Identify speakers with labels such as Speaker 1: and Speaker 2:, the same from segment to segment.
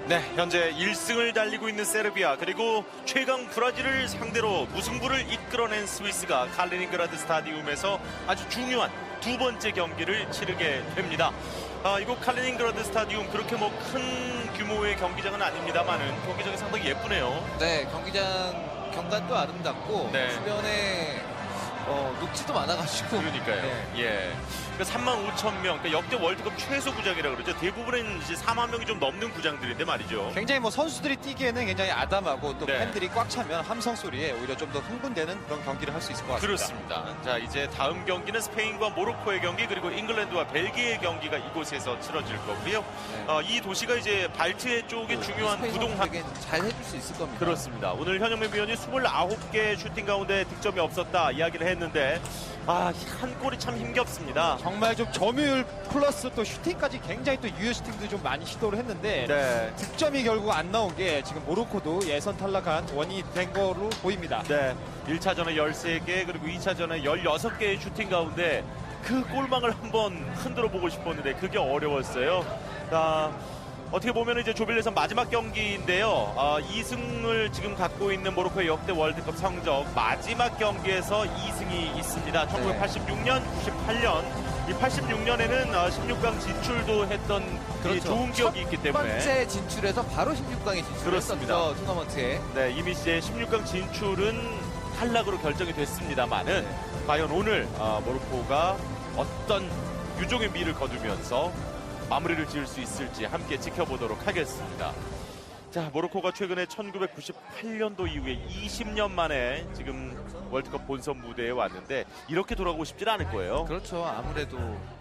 Speaker 1: 네, 현재 1승을 달리고 있는 세르비아 그리고 최강 브라질을 상대로 무승부를 이끌어낸 스위스가 칼리닝그라드 스타디움에서 아주 중요한 두 번째 경기를 치르게 됩니다. 이곳 칼리닝그라드 스타디움 그렇게 뭐 큰 규모의 경기장은 아닙니다만은 경기장이 상당히 예쁘네요.
Speaker 2: 네, 경기장 경관도 아름답고
Speaker 1: 네.
Speaker 2: 주변에 녹지도 많아가지고
Speaker 1: 그러니까요.
Speaker 2: 네.
Speaker 1: 예. 그러니까 35,000명, 그러니까 역대 월드컵 최소 구장이라고 그러죠. 대부분은 이제 4만 명이 좀 넘는 구장들인데 말이죠.
Speaker 3: 굉장히 뭐 선수들이 뛰기에는 굉장히 아담하고 또
Speaker 1: 네.
Speaker 3: 팬들이 꽉 차면 함성 소리에 오히려 좀 더 흥분되는 그런 경기를 할 수 있을 것 같습니다.
Speaker 1: 그렇습니다. 자, 이제 다음 경기는 스페인과 모로코의 경기 그리고 잉글랜드와 벨기에의 경기가 이곳에서 치러질 거고요. 이 도시가 이제 발트해 쪽의 중요한
Speaker 2: 스페인
Speaker 1: 부동산.
Speaker 2: 선수에게 잘 해줄 수 있을 겁니다.
Speaker 1: 그렇습니다. 오늘 현영민 위원이 29개 슈팅 가운데 득점이 없었다 이야기를 했는데 한 골이 참 힘겹습니다.
Speaker 3: 정말 좀 점유율 플러스 또 슈팅까지 굉장히 또 유효 슈팅도 좀 많이 시도를 했는데
Speaker 1: 네.
Speaker 3: 득점이 결국 안 나온 게 지금 모로코도 예선 탈락한 원인이 된 거로 보입니다.
Speaker 1: 네. 1차전에 13개 그리고 2차전에 16개의 슈팅 가운데 그 골망을 한번 흔들어 보고 싶었는데 그게 어려웠어요. 어떻게 보면 이제 조별예선 마지막 경기인데요. 2승을 지금 갖고 있는 모로코의 역대 월드컵 성적 마지막 경기에서 2승이 있습니다. 1986년, 98년. 이 86년에는 16강 진출도 했던 이
Speaker 2: 그렇죠.
Speaker 1: 좋은 기억이 있기
Speaker 2: 첫
Speaker 1: 때문에
Speaker 2: 번째 진출에서 바로 16강에
Speaker 1: 그렇습니다.
Speaker 2: 진출했었죠. 토너먼트에.
Speaker 1: 네, 이미 이제 16강 진출은 탈락으로 결정이 됐습니다만은 과연 오늘 모로코가 어떤 유종의 미를 거두면서 마무리를 지을 수 있을지 함께 지켜보도록 하겠습니다. 자, 모로코가 최근에 1998년도 이후에 20년 만에 지금 월드컵 본선 무대에 왔는데 이렇게 돌아오고 싶진 않을 거예요.
Speaker 2: 그렇죠. 아무래도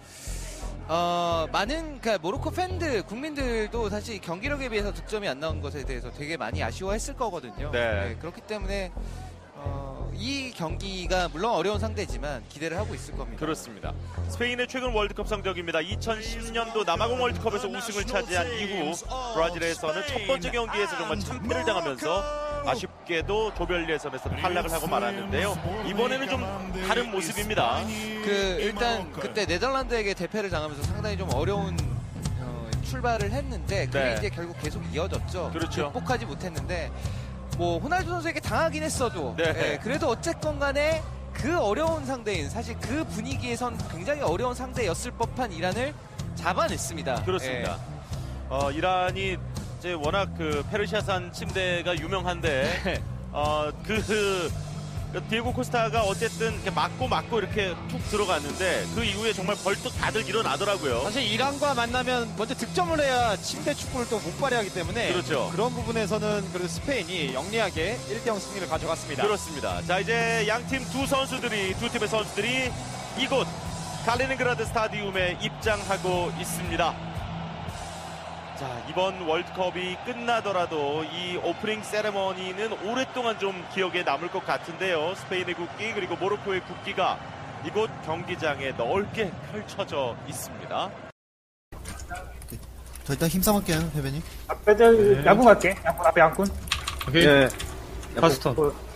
Speaker 2: 많은 그러니까 모로코 팬들, 국민들도 사실 경기력에 비해서 득점이 안 나온 것에 대해서 되게 많이 아쉬워했을 거거든요.
Speaker 1: 네.
Speaker 2: 그렇기 때문에 이 경기가 물론 어려운 상대지만 기대를 하고 있을 겁니다.
Speaker 1: 그렇습니다. 스페인의 최근 월드컵 성적입니다. 2010년도 남아공 월드컵에서 우승을 차지한 이후 브라질에서는 첫 번째 경기에서 정말 참패를 당하면서 아쉽게도 조별 예선에서 탈락을 하고 말았는데요. 이번에는 좀 다른 모습입니다.
Speaker 2: 일단 그때 네덜란드에게 대패를 당하면서 상당히 좀 어려운 출발을 했는데 그게
Speaker 1: 네.
Speaker 2: 이제 결국 계속 이어졌죠.
Speaker 1: 그렇죠.
Speaker 2: 극복하지 못했는데 뭐 호날두 선수에게 당하긴 했어도
Speaker 1: 네.
Speaker 2: 그래도 어쨌건 간에 그 어려운 상대인 사실 그 분위기에선 굉장히 어려운 상대였을 법한 이란을 잡아냈습니다.
Speaker 1: 그렇습니다. 이란이 이제 워낙 그 페르시아산 침대가 유명한데 디에고 코스타가 어쨌든 이렇게 맞고 이렇게 툭 들어갔는데 그 이후에 정말 벌떡 다들 일어나더라고요.
Speaker 3: 사실 이란과 만나면 먼저 득점을 해야 침대 축구를 또 못 발휘하기 때문에
Speaker 1: 그렇죠.
Speaker 3: 그런 부분에서는 그래도 스페인이 영리하게 1대0 승리를 가져갔습니다.
Speaker 1: 그렇습니다. 자, 이제 양팀 두 팀의 선수들이 이곳 칼리닝그라드 스타디움에 입장하고 있습니다. 자, 이번 월드컵이 끝나더라도 이 오프닝 세레머니는 오랫동안 좀 기억에 남을 것 같은데요. 스페인의 국기 그리고 모로코의 국기가 이곳 경기장에 넓게 펼쳐져 있습니다.
Speaker 4: 저 일단 힘싸움할게요, 회변님.
Speaker 5: 앞에 양꾼 갈게. 양꾼 앞에 양꾼.
Speaker 6: 오케이.
Speaker 5: 네.
Speaker 6: 파스턴.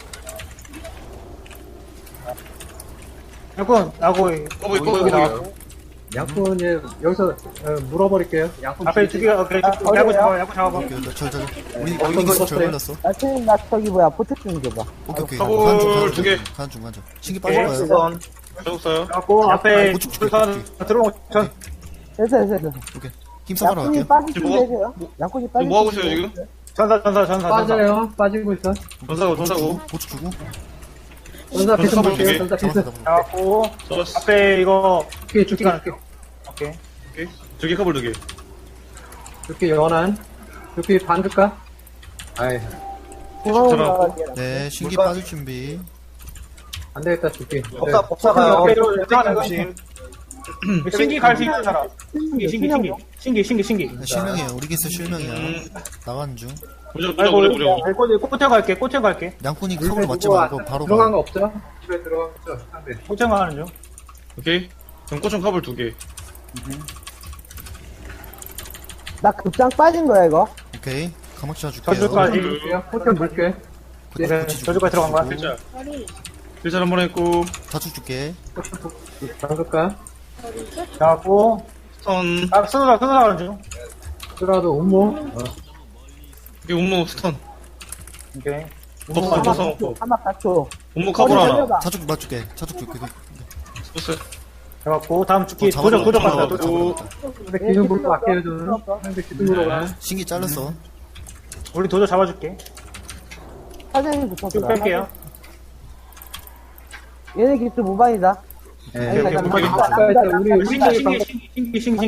Speaker 5: 양꾼 나고
Speaker 6: 꼬부기.
Speaker 5: 나왔고.
Speaker 7: 양푼 여기서 물어버릴게요. 양푼
Speaker 5: 앞에 두 개가 그래. 양꾼 잡아. 양꾼 잡아봐.
Speaker 4: 오케이, 우리 기술 절 걸렸어.
Speaker 7: 나 저기 뭐야 포트 좀 줘봐.
Speaker 4: 오케이.
Speaker 6: 사골 두 개.
Speaker 4: 가는 중. 신기 빠질 거야.
Speaker 5: 선
Speaker 6: 적었어요.
Speaker 5: 잡고 앞에
Speaker 4: 고축
Speaker 5: 선 들어오고 전.
Speaker 7: 됐어.
Speaker 4: 오케이. 힘싸움하러
Speaker 7: 양푼이
Speaker 4: 갈게요.
Speaker 7: 빠지시면
Speaker 6: 지금
Speaker 7: 되세요. 양푼이
Speaker 6: 지금 뭐 하고 있어요 지금?
Speaker 5: 전사.
Speaker 7: 빠지고 있어.
Speaker 6: 전사고.
Speaker 4: 고축 주고.
Speaker 7: 전사 비스
Speaker 6: 사골
Speaker 7: 볼게요.
Speaker 6: 두 개.
Speaker 7: 전사 비스.
Speaker 5: 잡고
Speaker 6: 좋았어.
Speaker 5: 앞에 이거 죽기 가는 오케이.
Speaker 6: 오케이. 두개 커블 두 개.
Speaker 7: 이렇게 연한. 이렇게 반 줄까? 아이.
Speaker 6: 들어가고.
Speaker 4: 네, 신기 빠질 준비.
Speaker 7: 안 되겠다 줄게.
Speaker 5: 법사가 들어가는 것이. 신기 갈 수 있는 사람. 신기.
Speaker 4: 네, 실명이에요. 우리 기술 실명이야. 나가는 중.
Speaker 5: 무조건 꼬태 갈게.
Speaker 4: 양꾼이 컵을 맞지 말고 바로
Speaker 7: 들어간
Speaker 4: 가.
Speaker 7: 거 없죠? 집에 들어간 거 없죠? 상대.
Speaker 5: 꼬태 가는 중.
Speaker 6: 오케이. 그럼 꼬총 커블 두 개.
Speaker 7: 나 급장 빠진 거야 이거.
Speaker 4: 오케이. 가막 씌워줄게요.
Speaker 5: 저주까지.
Speaker 7: 포트 물게.
Speaker 5: 네, 저주까지 들어간 거야.
Speaker 6: 필자. 필자 한번 했고.
Speaker 4: 다축 줄게.
Speaker 7: 잠글까?
Speaker 5: 잡고
Speaker 6: 스턴.
Speaker 5: 쓰느라 가는 중.
Speaker 7: 쓰라도 음모.
Speaker 6: 오케이, 온무 스턴.
Speaker 5: 오케이.
Speaker 6: 법사, 법사 먹고.
Speaker 7: 한막 4초.
Speaker 6: 온무 카볼 하나.
Speaker 4: 자축 맞줄게. 자축 줄게.
Speaker 6: 스포스.
Speaker 5: 해갖고 다음 죽기
Speaker 4: 잡아줘.
Speaker 5: 도적 간다.
Speaker 4: 잡아줘.
Speaker 5: 도적.
Speaker 4: 잡아줘.
Speaker 7: 근데 기준 물로 갈게요, 저는. 상대 기준 물로 가.
Speaker 4: 신기 잘랐어.
Speaker 5: 우리 도적 잡아줄게.
Speaker 7: 사장님
Speaker 5: 쭉
Speaker 7: 붙었어.
Speaker 5: 뺄게요.
Speaker 7: 얘네 기수 무반이다.
Speaker 5: 오케이, 오케이, 오케이.
Speaker 7: 우리
Speaker 5: 신기.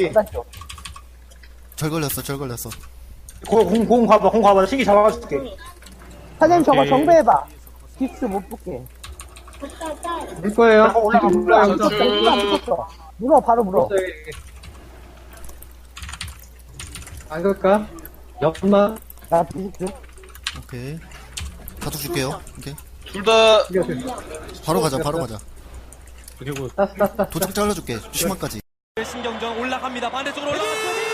Speaker 4: 절 걸렸어.
Speaker 5: 공 가봐. 신기 잡아줄게.
Speaker 7: 사장님 저거
Speaker 6: 오케이.
Speaker 7: 정배해봐. 기수 못 붙게.
Speaker 8: 물 거예요.
Speaker 5: 올라가.
Speaker 7: 물어, 바로 물어.
Speaker 8: 안 갈까? 옆만.
Speaker 7: 나 뒤집게.
Speaker 4: 오케이. 자축 줄게요. 오케이.
Speaker 6: 둘 다.
Speaker 4: 바로 가자.
Speaker 6: 오케이, 굿.
Speaker 8: 땄어.
Speaker 4: 도적 잘라줄게. 심화까지.
Speaker 2: 신경전 올라갑니다. 반대쪽으로 올라갔더니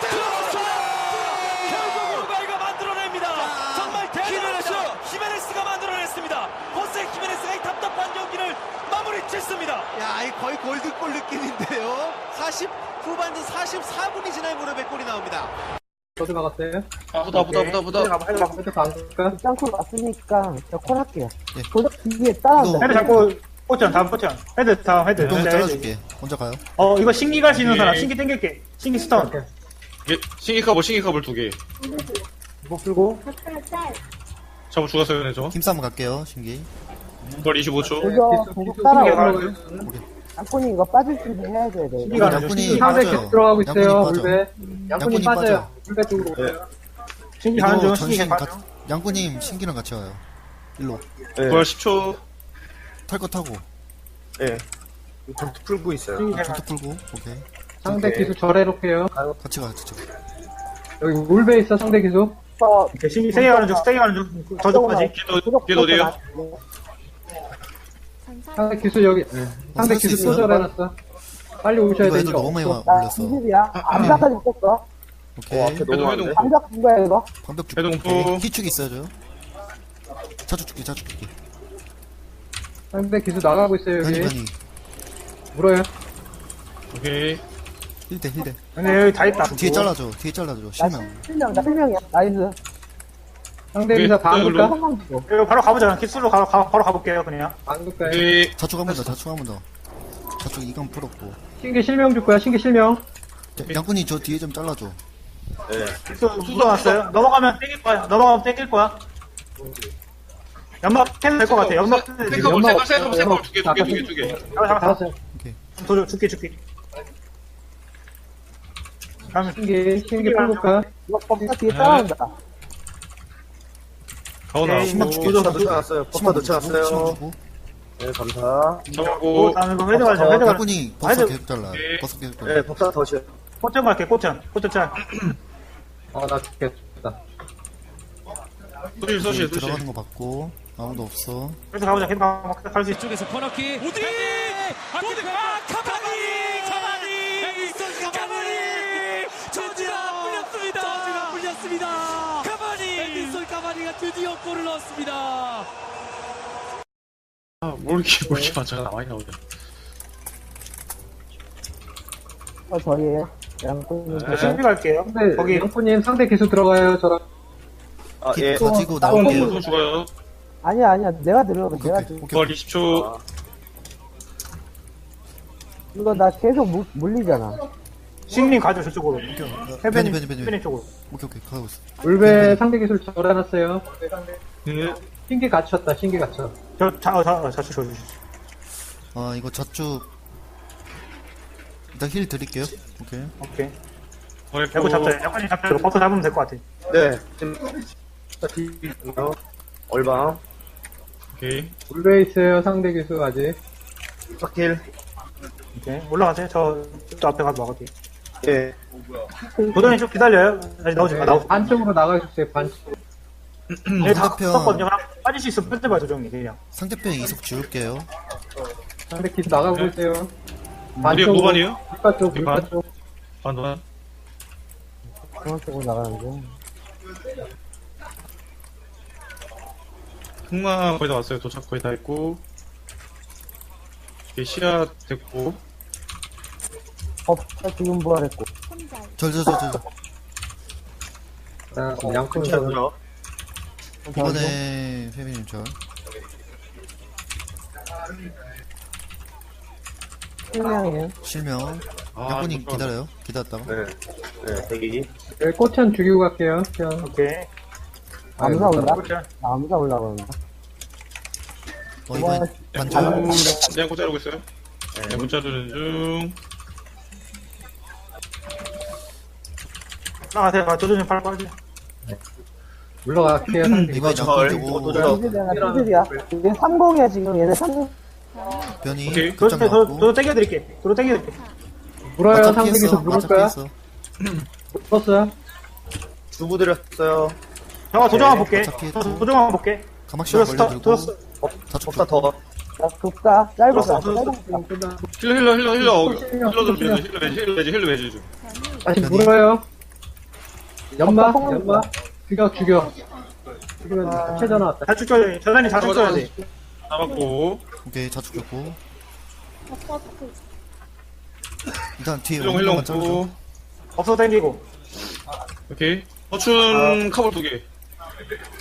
Speaker 2: 결국 우발가 만들어냅니다. 정말 대단하죠. 히메네스가 만들어냈습니다. 호세 히메네스가 이 답답한 경기를 마무리 짓습니다.
Speaker 9: 야, 이 거의 골드골 느낌인데요. 40 후반전 44분이 지나야 무릎에 골이 나옵니다.
Speaker 8: 저도 막았어요.
Speaker 6: 보다.
Speaker 5: 해봐.
Speaker 8: 저도 안 갈까?
Speaker 7: 짱콜 왔으니까 저 콜 할게요.
Speaker 4: 예.
Speaker 7: 도적 뒤에 따라온다.
Speaker 5: 헤드 잡고 포션 다음 포션. 헤드 다음 헤드.
Speaker 4: 운동을
Speaker 5: 헤드.
Speaker 4: 잘라줄게. 먼저 가요.
Speaker 5: 이거 신기 갈 수 있는 사람
Speaker 6: 오케이.
Speaker 5: 신기 땡길게. 신기 스턴.
Speaker 6: 오케이, 신기 카볼 2개.
Speaker 5: 이거 풀고.
Speaker 6: 잡아 죽었어요, 네, 저.
Speaker 4: 힘싸움 갈게요. 신기.
Speaker 6: 벌 25초.
Speaker 7: 도적 따라오고.
Speaker 5: 신기
Speaker 7: 짱콜이 이거 빠질 준비 해야 돼.
Speaker 5: 신기가 안
Speaker 4: 양꾼이
Speaker 8: 상대
Speaker 4: 빠져요.
Speaker 8: 계속 들어가고 있어요.
Speaker 4: 양꾼이 빠져.
Speaker 8: 물배. 양꾼이
Speaker 4: 양꾼이
Speaker 8: 빠져요. 물배 쪽으로 오세요.
Speaker 5: 신기 가는 중.
Speaker 4: 이거
Speaker 5: 신기
Speaker 4: 전신
Speaker 5: 가는
Speaker 4: 같
Speaker 5: 중.
Speaker 4: 양꾼님 신기랑 같이 와요. 일로.
Speaker 6: 벌 10초.
Speaker 4: 탈 거 타고.
Speaker 5: 신기
Speaker 4: 전투 풀고. 오케이.
Speaker 8: 상대 기수 절해놓게요.
Speaker 4: 같이 가.
Speaker 8: 여기 물배 있어, 상대 기수.
Speaker 5: 오케이, 신기 세게 가는 중. 저쪽까지.
Speaker 6: 걔도 어디에요?
Speaker 8: 상대 기수 여기. 상대
Speaker 4: 살수
Speaker 8: 기수 또
Speaker 4: 있어요?
Speaker 8: 절해놨어. 빨리 오셔야
Speaker 4: 이거
Speaker 8: 돼,
Speaker 4: 애들
Speaker 8: 이거.
Speaker 4: 너무 많이
Speaker 7: 나
Speaker 4: 올렸어.
Speaker 7: 20이야. 암사까지 붙었어.
Speaker 4: 오케이.
Speaker 6: 해동.
Speaker 7: 암사 준 거야, 이거.
Speaker 4: 방벽 줄게.
Speaker 6: 해동 후.
Speaker 4: 오케이. 희축 있어야죠. 자축 줄게.
Speaker 8: 상대 기수 나가고 있어요, 여기.
Speaker 4: 변이.
Speaker 8: 물어요.
Speaker 6: 오케이.
Speaker 4: 힐대.
Speaker 5: 근데 여기 다 있다.
Speaker 4: 뒤에 잘라줘. 실명.
Speaker 7: 나 1명이야. 나이스.
Speaker 8: 상대
Speaker 6: 오케이,
Speaker 8: 기사 반
Speaker 6: 일로.
Speaker 8: 갈까?
Speaker 7: 한방 주고.
Speaker 5: 이거 바로 가보자. 기술로 바로 가볼게요, 그냥.
Speaker 8: 반 갈까요?
Speaker 6: 오케이.
Speaker 4: 자축 한 번 더. 자축 이건 풀었고.
Speaker 8: 신기 실명 줄 거야, 신기 실명.
Speaker 4: 양꾼이 저 뒤에 좀 잘라줘.
Speaker 5: 수도 왔어요. 넘어가면 땡길 거야. 연막 해도 될 것 같아. 연막 해도 돼.
Speaker 6: 생카볼
Speaker 8: 연막
Speaker 6: 두 개.
Speaker 5: 잡아.
Speaker 8: 잡았어요.
Speaker 5: 도저 죽기. 다음에
Speaker 8: 신기 풀볼까?
Speaker 7: 이거 법사 뒤에 따라온다.
Speaker 6: 가오나.
Speaker 4: 신망 줄게.
Speaker 5: 도저
Speaker 4: 신망 주고.
Speaker 6: 잡았고.
Speaker 5: 다음에 이거 헤드 가자. 헤드 가자.
Speaker 4: 양꾼이 버섯
Speaker 5: 헤드.
Speaker 4: 계속 잘라.
Speaker 6: 오케이.
Speaker 4: 버섯 계속 잘라.
Speaker 5: 꽃전 갈게. 꽃전 짤.
Speaker 8: 나 죽겠다.
Speaker 6: 소실.
Speaker 4: 들어가는 거 봤고. 아무도 없어.
Speaker 5: 그래서 가보자. 헤드 갈수 있어.
Speaker 2: 쪽에서 코너킥. 우디! 카바니! 저지가 물렸습니다. 카바니! 앤디son 카바니가 드디어 골을 넣었습니다.
Speaker 6: 뭘 이렇게 맞아. 많이 나오네.
Speaker 7: 저희에요. 양꾼이.
Speaker 5: 신비 갈게요.
Speaker 8: 상대,
Speaker 5: 거기
Speaker 8: 영프님 상대 기수 들어가요, 저랑.
Speaker 4: 가지고 나올게요.
Speaker 6: 또 죽어요.
Speaker 7: 아니야. 내가 들어.
Speaker 4: 오케이.
Speaker 7: 내가 들어.
Speaker 6: 벌 20초.
Speaker 7: 이거 나 계속 물리잖아.
Speaker 5: 신님 가죠 저쪽으로.
Speaker 4: 변이.
Speaker 5: 해변님 쪽으로.
Speaker 4: 오케이. 가고 있어.
Speaker 8: 물배 상대 기술 절해놨어요.
Speaker 6: 네.
Speaker 8: 신기 갇혔다, 신기 갇혀.
Speaker 5: 자주.
Speaker 4: 아, 이거 자축. 일단 힐 드릴게요. 오케이.
Speaker 5: 오케이.
Speaker 6: 벌
Speaker 5: 야구 잡자. 약간씩 잡자. 이거 버터 잡으면 될 것 같아.
Speaker 6: 오케이.
Speaker 8: 물배 있어요, 상대 기수 아직.
Speaker 5: 오케이. 올라가세요. 저 앞에 가서 막을게. 도전이 좀 기다려요. 아직 나오지 마.
Speaker 8: 안쪽으로 나가주세요, 반쪽.
Speaker 5: 얘 다
Speaker 4: 상대편.
Speaker 5: 썼거든요. 하나 빠질 수 있으면 뺄때 봐, 조정이 그냥.
Speaker 4: 상대편 이속 지울게요.
Speaker 8: 상대 기수 나가고 있어요.
Speaker 6: 우리가 노반이에요?
Speaker 8: 물가 쪽, 물가
Speaker 6: 반.
Speaker 8: 쪽.
Speaker 6: 반반.
Speaker 7: 그런 쪽으로 나가는데.
Speaker 6: 흑마 거의 다 왔어요. 도착 거의 다 했고. 이게 시야 됐고.
Speaker 7: 법사 지금 부활했고.
Speaker 4: 절.
Speaker 8: 자, 양푼선.
Speaker 4: 이번에 페미님 절.
Speaker 7: 실명이에요.
Speaker 4: 실명.
Speaker 6: 아,
Speaker 4: 양꾼님
Speaker 6: 잠깐만.
Speaker 4: 기다려요. 기다렸다가.
Speaker 8: 네, 꽃현 죽이고 갈게요. 현.
Speaker 5: 오케이.
Speaker 7: 암사 올라?
Speaker 5: 그렇죠.
Speaker 7: 나 암사 올라가는다.
Speaker 4: 이번에
Speaker 6: 양고,
Speaker 4: 반절.
Speaker 6: 양고 자르고 있어요. 양고 자르는 중.
Speaker 5: 올라가세요. 조준님 팔 빠지.
Speaker 8: 올라갈게요. 상대
Speaker 4: 이번 양꾼 되고
Speaker 7: 피들이야, 피들이야. 얘 30이야, 지금. 얘네 30.
Speaker 4: 변이
Speaker 6: 오케이.
Speaker 4: 급장
Speaker 5: 저
Speaker 4: 나왔고.
Speaker 5: 땡겨드릴게. 도로 땡겨드릴게.
Speaker 8: 물어요.
Speaker 4: 맞아
Speaker 8: 상대 기수
Speaker 4: 피했어.
Speaker 8: 물을
Speaker 4: 맞아
Speaker 8: 거야.
Speaker 4: 피했어.
Speaker 8: 물었어요.
Speaker 5: 저 도정만 볼게.
Speaker 4: 어차피 했고.
Speaker 5: 저 도정만 볼게.
Speaker 4: 가막시간
Speaker 5: 들었어.
Speaker 4: 걸려들고.
Speaker 5: 들었어.
Speaker 4: 자축 줬고.
Speaker 7: 나 급가, 짧은
Speaker 5: 들었어,
Speaker 7: 거.
Speaker 5: 들었어.
Speaker 6: 힐러 들어주면 힐러 매지 좀.
Speaker 8: 다시
Speaker 4: 변이.
Speaker 8: 물어요. 연마. 죽여. 죽이면 최저 나왔다.
Speaker 5: 자축 줘야 전단이 자축 줘야 돼.
Speaker 6: 잡았고.
Speaker 4: 오케이 자축 줬고. 일단 뒤에
Speaker 6: 힐러
Speaker 4: 오는
Speaker 6: 힐러
Speaker 4: 것만 잘라줘.
Speaker 5: 없어 땡기고.
Speaker 6: 오케이. 허춘 카볼 2개.